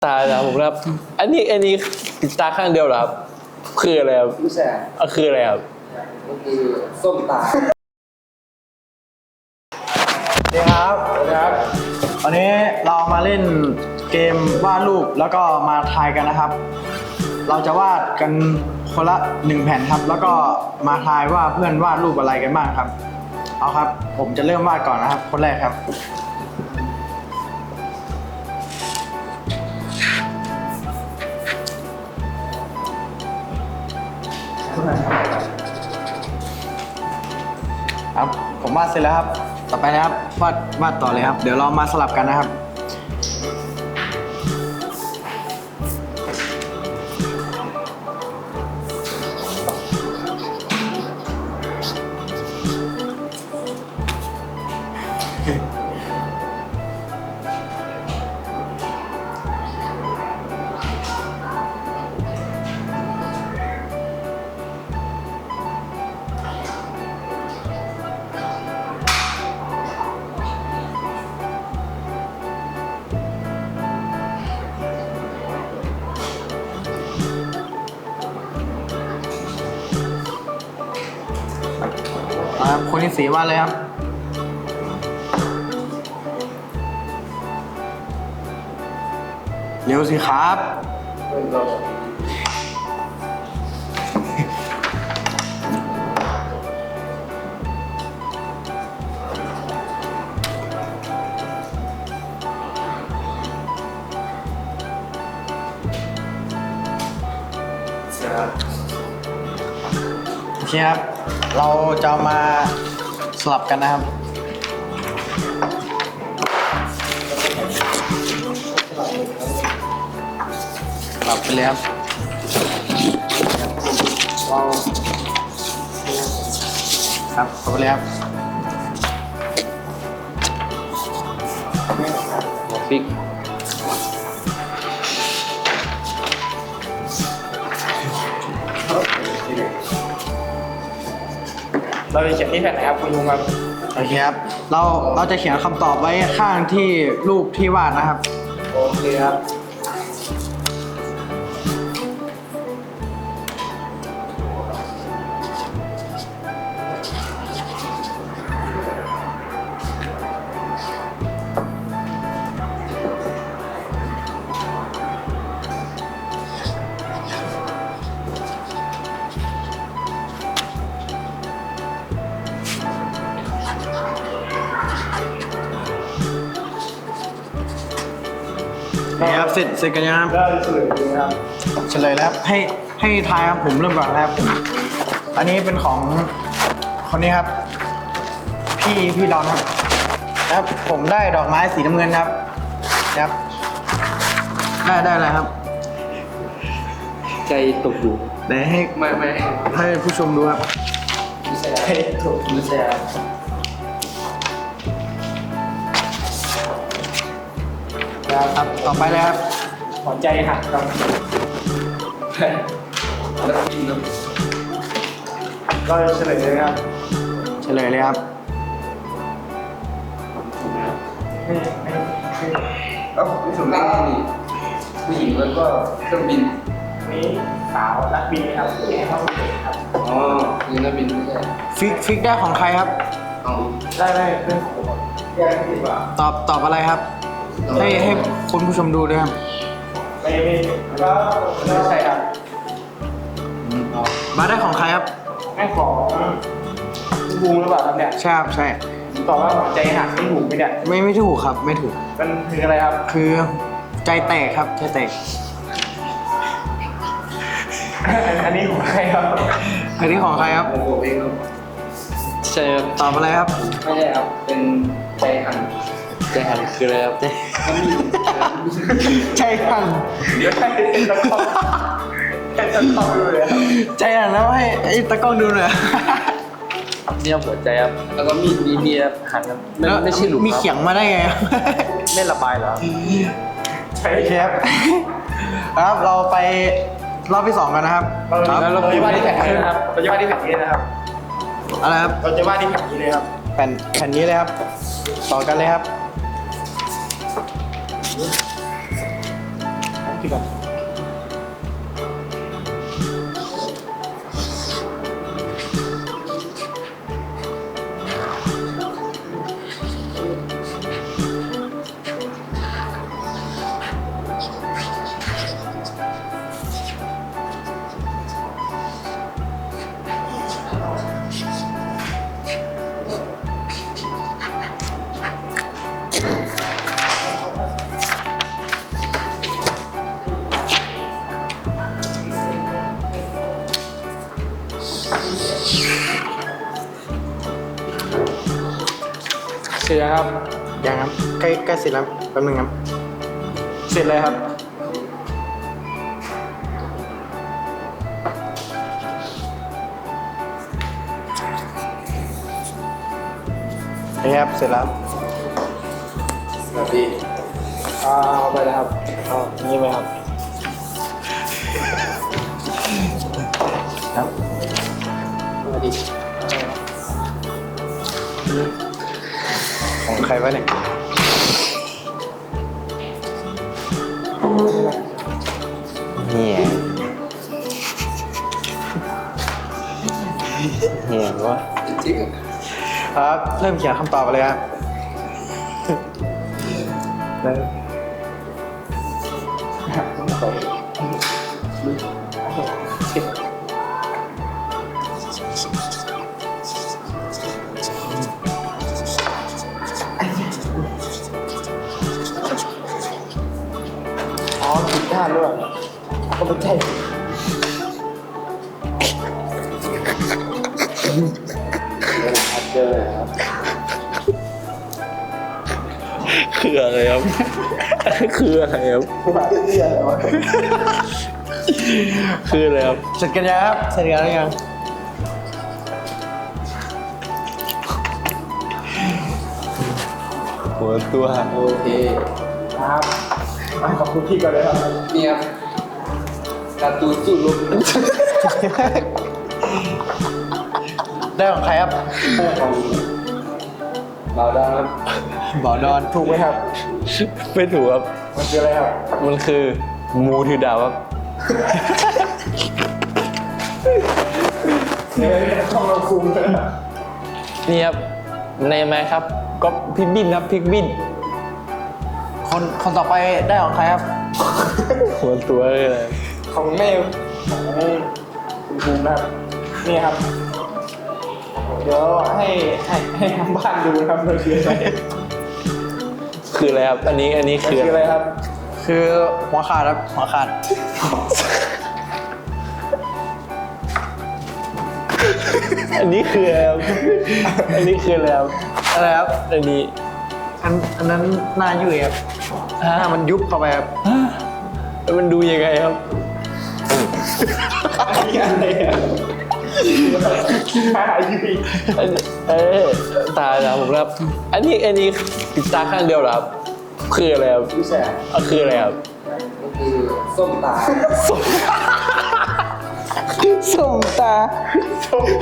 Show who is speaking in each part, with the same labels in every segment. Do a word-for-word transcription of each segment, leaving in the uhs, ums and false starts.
Speaker 1: ตาแล้วผมครับอันนี้อันนี้ปิดตาข้างเดียวเหรอครับคืออะไรครับ
Speaker 2: ไม่ใช่
Speaker 1: อ่ะคืออะไรครับ
Speaker 2: ก็คือส้มตา
Speaker 3: สวัสดีครับสวัสดีครับวันนี้เรามาเล่นเกมวาดรูปแล้วก็มาทายกันนะครับเราจะวาดกันคนละหนึ่งแผ่นครับแล้วก็มาทายว่าเพื่อนวาดรูปอะไรกันบ้างครับเอาครับผมจะเริ่มวาดก่อนนะครับคนแรกครับครับผมวาดเสร็จแล้วครับต่อไปนะครับวาดวาดต่อเลยครับเดี๋ยวเรามาสลับกันนะครับครับคนที่สีวาดเลยครับเร็วสิครับโอเคครับเราจะมาสลับกันนะครับสลับไปเลยครับครับเข้าไปเลยครับ
Speaker 1: หัวฟิก
Speaker 2: เราจะเขียนที่แผ่นไหนครับคุณลุงครับ
Speaker 3: โอเคครับเราเราจะเขียนคำตอบไว้ข้างที่รูปที่วาดนะครับ
Speaker 2: โอเคครับ
Speaker 3: นี่ครับเสร็จเสร็จกันยังครับ
Speaker 2: ได้เฉลยเลยครับ
Speaker 3: เฉลยแล้วครับให้ให้ทายครับผมเริ่มก่อนนะครับอันนี้เป็นของคนนี้ครับพี่พี่ดอนครับครับผมได้ดอกไม้สีน้ำเงินครับครับได้ได้อะไรครับ
Speaker 1: ใจตกอยู่
Speaker 3: เดี๋ยวให้
Speaker 2: ไม่ไม่
Speaker 3: ให้ผู้ชมดูครับ
Speaker 2: ไม่ใช่ถูกไม่ใช่ครับ
Speaker 3: ครับต่อไปเลยครับ
Speaker 2: หัวใจหักครับแล้วกินก็เฉลยเลยครับ
Speaker 3: เฉลยเลยครับ
Speaker 2: ไม่ไม่ไม่
Speaker 4: เอ้าไม่ถูกได้ไงนี่ผู้หญิงแล้วก็เครื่องบิน
Speaker 2: นี้สาวนักบินครับที่ให้เข้าไปครับ
Speaker 4: อ๋อนี่นักบินไม่ใช่
Speaker 3: ฟิกฟิกได้ของใครครับ
Speaker 4: เอ้า
Speaker 2: ได้ได้เรื่องของแยกดีกว่า
Speaker 3: ตอบตอบอะไรครับ ให้ให้คุณผู้ชมดูด้วยครับ
Speaker 2: ไม่ไม่ก็ไม่ใช่ครับ
Speaker 3: มาได้ของใครครับ
Speaker 2: แม่ของคุณบูงหรือเปล่าครับเนี่ย
Speaker 3: ใช่ครับใช่
Speaker 2: ตอบว่าหัวใจหักไม่ถูกไหมเนี่ย
Speaker 3: ไม่ไม่ถูกครับไม่ถูก
Speaker 2: มันคืออะไรครับ
Speaker 3: คือใจแตกครับใจแตก
Speaker 2: อันนี้ของใครครับ
Speaker 3: อันนี้ของใครครับ
Speaker 4: ผมบอกเองครับ
Speaker 1: ใช่ครับ
Speaker 3: ตอบอะไรครับ
Speaker 4: ไม่ใช่ครับ เป็นใจหัน
Speaker 1: ใจหันคืออะไรครับ
Speaker 3: ใจหัน
Speaker 2: เดี๋ยวให้เป็นตะกร้อเป็นตะกร้อเลยครับ
Speaker 3: ใจหันแล้วให้ไอ้ตะกล้องดูหน่อย
Speaker 1: เนี่ยหัวใจครับแล้วก็มีดมีเนี่ยหันครับไม่
Speaker 3: แล้ว
Speaker 1: ไม่ใช่หลุม
Speaker 3: มี
Speaker 1: ครับ
Speaker 3: เขียงมาได้ไงครับ
Speaker 1: ไม่ระบายเหรอครับ
Speaker 2: ใช่
Speaker 3: โอเคครับครับเราไปรอบที่สองกันนะครับ
Speaker 2: เรา
Speaker 3: ครับ
Speaker 2: เราจะวาดที่แผ่นนี้นะครับเราจะวาดที่แผ่นนี้นะครับ
Speaker 3: อะไรครับ
Speaker 2: เราจะวาดที่แผ่นนี้เลยครับ
Speaker 3: แผ่นแผ่นนี้เลยครับ ต่อกันเลยครับพี่ก่อนเสร็จแล้วครับยังครับใกล้ใกล้เสร็จแล้วแป๊บนึงครับเสร็จเลยครับนี่ครับเสร็จแล้ว
Speaker 4: สวัสดี
Speaker 3: เอาไปเลยครับเอานี่ไหมครับครับ
Speaker 4: สวัสดี
Speaker 3: ของใครวะเนี่ยเนี่ยเนี่ยวะ
Speaker 4: จริง
Speaker 3: ครับเริ่มเขียนคำตอบไปเลยครับเริ่มอ๋อผิดด้านด้วยก็ไม่ใช่
Speaker 4: เจอครับ
Speaker 1: คืออะไรครับ คืออะไรครับ คืออะไรครับ
Speaker 3: เสร็จกันยังครับเสร็จกันหรือยัง
Speaker 1: หัวตัว
Speaker 4: โอเค
Speaker 3: ครับขอบคุณพี่ก่อนเลยครับ
Speaker 4: นี่ครับการ์ตูนสู้รบ
Speaker 3: ได้ของใครครับ
Speaker 4: ของบ่าวดาวครับ
Speaker 3: บ่อดอนถูกไหมครับ
Speaker 1: ไม่ถูกครับ
Speaker 3: มันคืออะไรครับ
Speaker 1: มันคือมูถือดาวครับ
Speaker 3: เนี่ยต้องเราคุมเลยนะ
Speaker 1: นี่ครับ ในไหมครับก็พิกบินครับพิกบิน
Speaker 3: คนคนต่อไปได้ของใครครับ
Speaker 1: หัวตัวเลยอะไร
Speaker 3: ของแม่ของคุณภูมินะครับนี่ครับ เดี๋ยวให้ให้ให้ทางบ้านดูนะครับมันคืออะไร
Speaker 1: คืออะไรครับ อันนี้อันนี้
Speaker 3: มัน
Speaker 1: คือ
Speaker 3: คืออะไรครับ คือหัวขาดครับหัวขาด
Speaker 1: อันนี้คืออะไรครับ อันนี้คืออะไรครับ
Speaker 3: อะไรครับ
Speaker 1: อันนี้
Speaker 3: อันอันนั้นหน้ายุ่ยครับหน้ามันยุบเข้าไปครับ
Speaker 1: แล้วมันดูยังไงครับ
Speaker 3: อันนี้อะไรอ่ะหน้ายุ่ย
Speaker 1: อันเอ้ยตาแล้วผมครับ อันนี้อันนี้ปิดตาข้างเดียวเหรอครับ คืออะไรครับ
Speaker 3: ผู้ชาย
Speaker 1: อ่ะคืออะไรครับ
Speaker 4: ก็คือส้มตา
Speaker 3: ส้มตาส้ม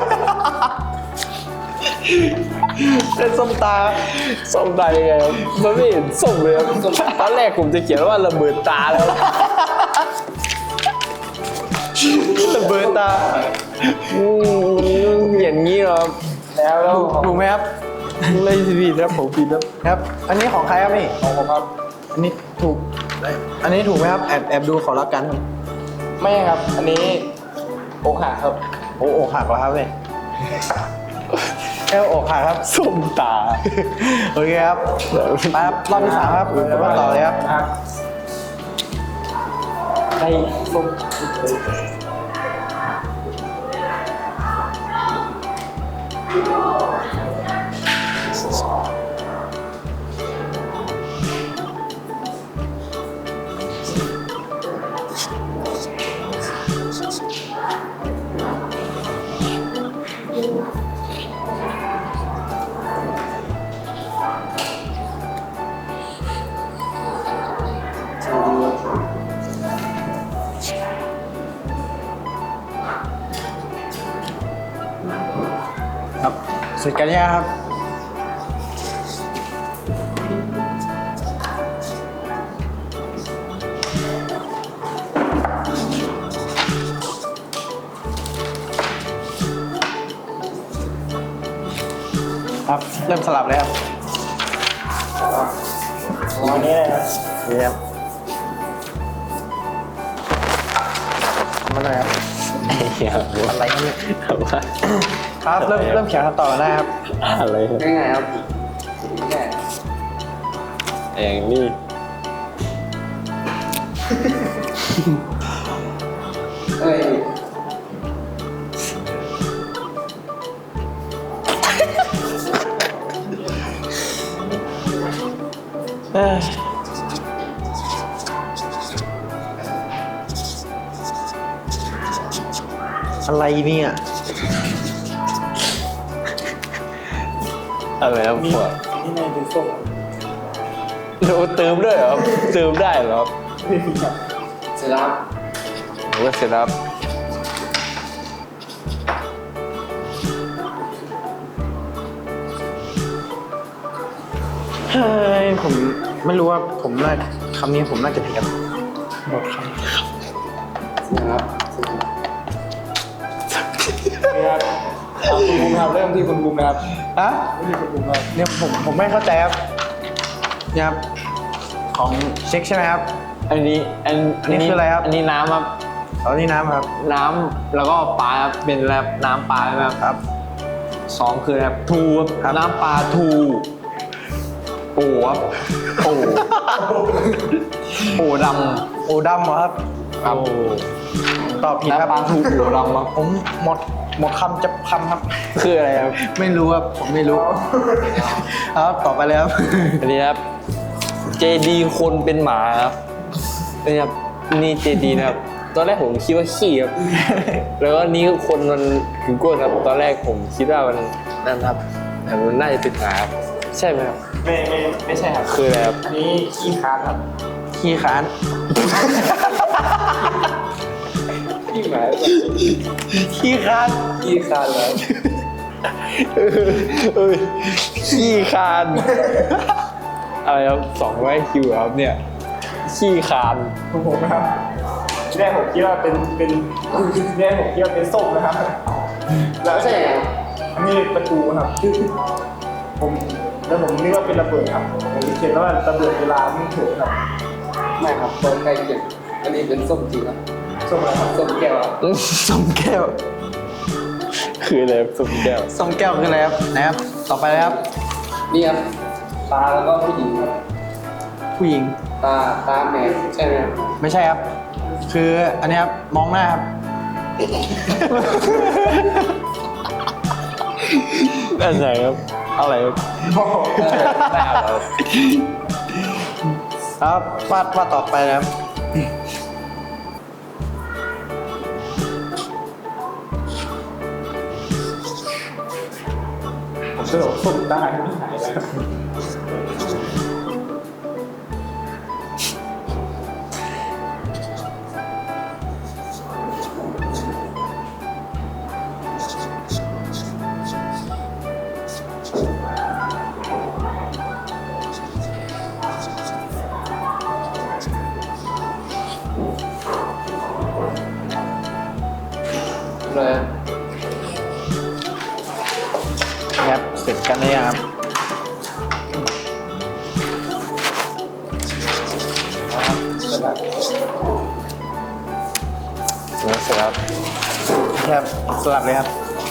Speaker 3: เป็นส้มตา
Speaker 1: ส้มตายังไงครับ มันไม่เห็นส้มเลยครับตอนแรกผมจะเขียนว่าระเบิดตาแล้ว
Speaker 3: ระเบิดตา
Speaker 1: อืมอย่างนี้เหรอครับ
Speaker 3: แล้วแล้วถูกไหมครับ
Speaker 1: ไม่ผิดครับผมผิดครับ
Speaker 3: ครับ อันนี้ของใครครับนี่ของผมครับ อันนี้ถูก อันนี้ถูกไหมครับ แอบแอบดูขอรับกันครับ
Speaker 2: ไม่ครับ อันนี้อกหักครับ
Speaker 3: โอ้อกหักแล้วครับเนี่ยแค่อกหักครับ
Speaker 1: ส้มตา
Speaker 3: โอเคครับไปครับรอบที่สามครับเดี๋ยวมาต่อเลยครับ
Speaker 1: ไอ้ส้ม
Speaker 3: ครับเสร็จกันยังครับ
Speaker 1: ค
Speaker 3: ครับ เริ่มสลับเลยครับอันนี้เลยครับนี่ครับมาหน่อยครับ
Speaker 1: เหี้ย
Speaker 3: อะไรกันเนี่ย
Speaker 1: ทำไม
Speaker 3: ครับเริ่มเริ่มเขียนคำตอบกันได้ครับ
Speaker 1: อะไรครับ
Speaker 4: ง่ายๆครับง่าย
Speaker 1: อย่างนี้
Speaker 4: เอ้ย
Speaker 3: เอ้ยอะไรเนี่ย
Speaker 1: อะไรครับพวก
Speaker 3: นี่ในดูส้ม
Speaker 1: เราเติมด้วยเหรอครับเติมได้เหรอครับ
Speaker 4: เสร็จแล้วครับ
Speaker 1: ผมก็เสร็จแล้วครับ
Speaker 3: เฮ้ยผมไม่รู้ว่าผมน่าคำนี้ผมน่าจะผิดครับหมดคำ
Speaker 4: เสร็จแล้วครับเสร็จแล้ว
Speaker 2: ครับคุณภูมิครับเริ่มที่คุณภูมินะครับ
Speaker 3: อะ
Speaker 2: ไม่มีคุณภูมิครับ
Speaker 3: เนี่ยผมผมไม่เข้าใจครับเนี่ยครับของเช็คใช่ไหมครับ
Speaker 1: อันนี้อัน
Speaker 3: อันนี้คืออะไรครับ
Speaker 1: อันนี้น้ำครับ
Speaker 3: เอานี่น้ำครับ
Speaker 1: น้ำแล้วก็ปลาครับเป็นแบบน้ำปลาแบบ
Speaker 3: ครับ
Speaker 1: สองคือแบบทูครับน้ำปลาทูปูครับปูปูด
Speaker 3: โอดำเหรอครับ
Speaker 1: ำครับ
Speaker 3: ตอบผิดครับ
Speaker 1: น้ำปลาทูปูดำครับ
Speaker 3: ผมหมดหมดคำจะคำครับ
Speaker 1: คืออะไรครับ
Speaker 3: ไม่รู้ครับผมไม่รู้ครับต่อไปเลยครับ
Speaker 1: อันนี้ครับเจดีคนเป็นหมาครับนี่ครับนี่เจดีนะครับตอนแรกผมคิดว่าขี้ครับ แล้วก็นี่คนมันถึงก้นครับตอนแรกผมคิดว่ามันนั่นครับแต่มันน่าจะเป็นหมาครับใช่ไหมครับ
Speaker 2: ไม่ไม่ไม่ใช่ครับ
Speaker 1: คืออะไรครับ
Speaker 2: อันนี้ขี้ค้านครับ
Speaker 3: ขี้ค้าน
Speaker 4: ขี้หมา
Speaker 3: ขี้ค้าน
Speaker 4: ขี้คานแล้ว
Speaker 1: เอ้ยขี้คานอะไรครับสองร้อยคิวครับเนี่ยขี้คาน
Speaker 2: คุณภูมินะครับแรกผมคิดว่าเป็นเป็นแรกผมคิดว่าเป็นส้มนะครับ แล้ว
Speaker 4: ใช่ไง
Speaker 2: อันนี้ประตูครับผมแล้วผมนึกว่าเป็นระเบิดครับผมเขียนว่าระเบิดเวลาไม่ถูกครับ
Speaker 4: ไม่ครับตรงใกล้เคียงอันนี้เป็นส้มจริงครับ
Speaker 2: ส้มอะไรครับ
Speaker 4: ส้มแก้วครับ
Speaker 3: ส้มแก้ว
Speaker 1: คืออะไรครับสุดแก้ว
Speaker 3: ส้มแก้วคืออะไรครับนะครับ ต่อไปเลยครับ
Speaker 4: นี่ครับตาแล้วก็ผู้หญิงครับ
Speaker 3: ผู้หญิง
Speaker 4: ตาตาแมวใช่ไหมครับ
Speaker 3: ไม่ใช่ครับ คืออันนี้ครับมองหน้าครับ
Speaker 1: อันไหนครับอะไรครับได้ครับ
Speaker 3: ครับวาดวาดต่อไปนะครับ
Speaker 2: ผมจะบอกส้มได้ไม่หายแล้ว
Speaker 4: เลย
Speaker 3: นะครับเสร็จกันเลยงครับ
Speaker 1: เสร็จแล้ว
Speaker 3: ครับสลับเลยครับ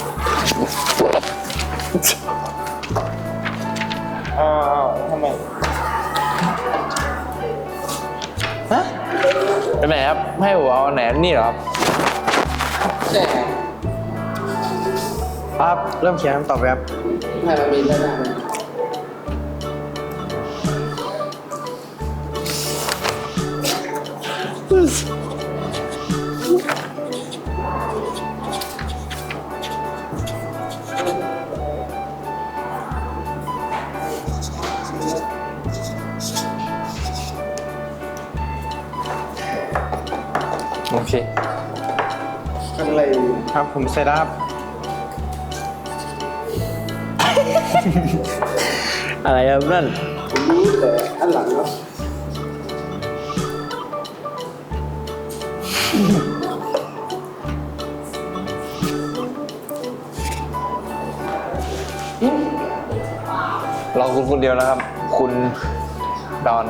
Speaker 2: อ้าวทำไม
Speaker 3: ฮะ
Speaker 1: เป็นไหนครับให้ผมเอาไหนนี่เหรอครับ
Speaker 4: ใช่ไง
Speaker 3: ครับเริ่มเขียนคำตอบไปครับ
Speaker 4: ให้มันมีด้านหน้าไหม
Speaker 1: โอเค
Speaker 4: อะไร
Speaker 3: ครับผมเสร็จแล้วครับ
Speaker 1: อะไรครับนั่น
Speaker 4: ผมรู้แต่อันหลังครับ
Speaker 3: ค
Speaker 1: คุณคนเดียวนะครับ คุณดอน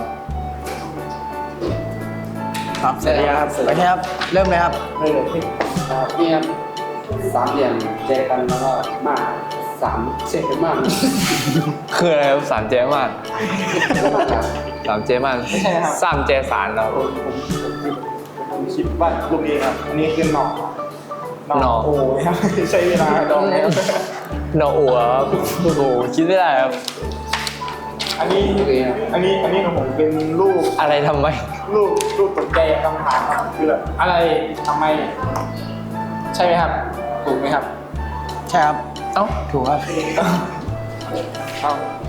Speaker 3: ครับเสร็จแล้วครับไปครับเริ่มเลยครับ
Speaker 2: เลยเลยพี่
Speaker 4: นี่ครับสามเหลี่ยมเจอกันแล้วก็มากสามเจ็ดมาก
Speaker 1: คืออะไรครับสามเจมาน
Speaker 4: มากครับ
Speaker 1: สามเจมานสามเจสารแล้ว
Speaker 2: ผมผมผมผมคิดว่าลูกนี้ครับอันนี้คือหน่อ
Speaker 1: หน่อ
Speaker 2: โอ้ยครับใช้เวลาดองแล้ว
Speaker 1: หนออัวครับโอ้โหคิดไม่ได้ครับ
Speaker 2: อันนี้อันนี้อันนี้ของผมเป็นรูป
Speaker 1: อะไรทำไม
Speaker 2: รูปรูปตกใจคำถามครับคือแบบอะไรทำไม ใช่ไหมครับถูกไหมครับ
Speaker 3: ใช่ครับ
Speaker 1: เอ้า
Speaker 3: ถูกครับ
Speaker 2: เอา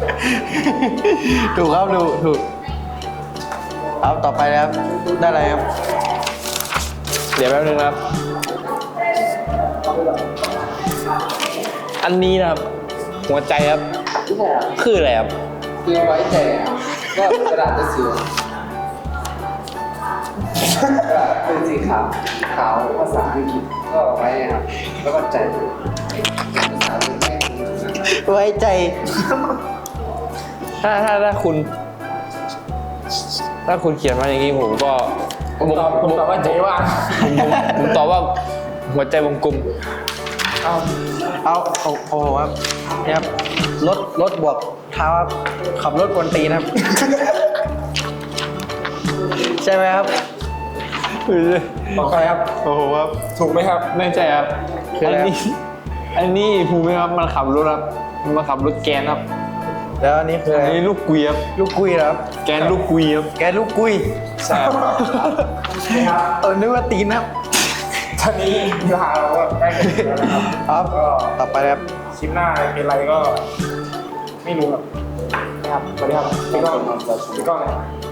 Speaker 3: ถูกครับถูกถูกเอาต่อไปนะครับได้อะไรครับ
Speaker 1: เดี๋ยวแป๊บนึงนะครับ อันนี้นะครับ หัวใจครับ
Speaker 4: ไม่ใช่ครับ
Speaker 1: คืออะไรครับ
Speaker 4: คือไว้ใจอ่ะก็กระดาษจะสีกระดาษเป็นสีขาวขาวภาษาอังกฤษก็ไว้ครับแล้วก็ใจภาษาอังกฤษ
Speaker 3: ไว้ใจ
Speaker 1: ถ้าถ้าถ้าคุณ ถ้าคุณเขียนมาอย่างนี้ผมก็
Speaker 2: ผมตอบผมตอบว่าใจว่าง
Speaker 1: ผมผมผมตอบว่าหัวใจวงกลม
Speaker 2: เอา
Speaker 3: เอาโอ้โหครับเนี่ยครับรถรถบวกเท้าครับขับรถกวนตีนครับ ใช่ไหมครับ
Speaker 2: บอกใครครับ
Speaker 1: โอ้โหครับ
Speaker 2: ถูกไหมครับ
Speaker 1: ไม่ใช่ครับ
Speaker 3: คือ
Speaker 1: อั
Speaker 3: อะไร
Speaker 1: น
Speaker 3: ครับ
Speaker 1: นี้ อันนี้ภูมิครับ มันขับรถครับ มันมาขับรถแกนครับ
Speaker 3: แล้วอันนี้คือ
Speaker 1: อั
Speaker 3: อะไร
Speaker 1: นนี้ลูกกุยครับ
Speaker 3: ลูกกุ้ยเหรอครับ
Speaker 1: แกนลูกกุยครับ
Speaker 3: แกลูกกุ้ย
Speaker 1: ใช่ครับ
Speaker 3: เออนึกว่าตีนครับ
Speaker 2: ท่านี้เวลาเราก็ใกล้กันอยู่แล้วนะครับ
Speaker 3: ครับ
Speaker 2: ก็
Speaker 3: ต่อไปครับ
Speaker 2: คลิปหน้ามีอะไรก็ ไม่รู้ครับนะครับสวัสดีครับพี่ก้องพี่ก้องนะครับ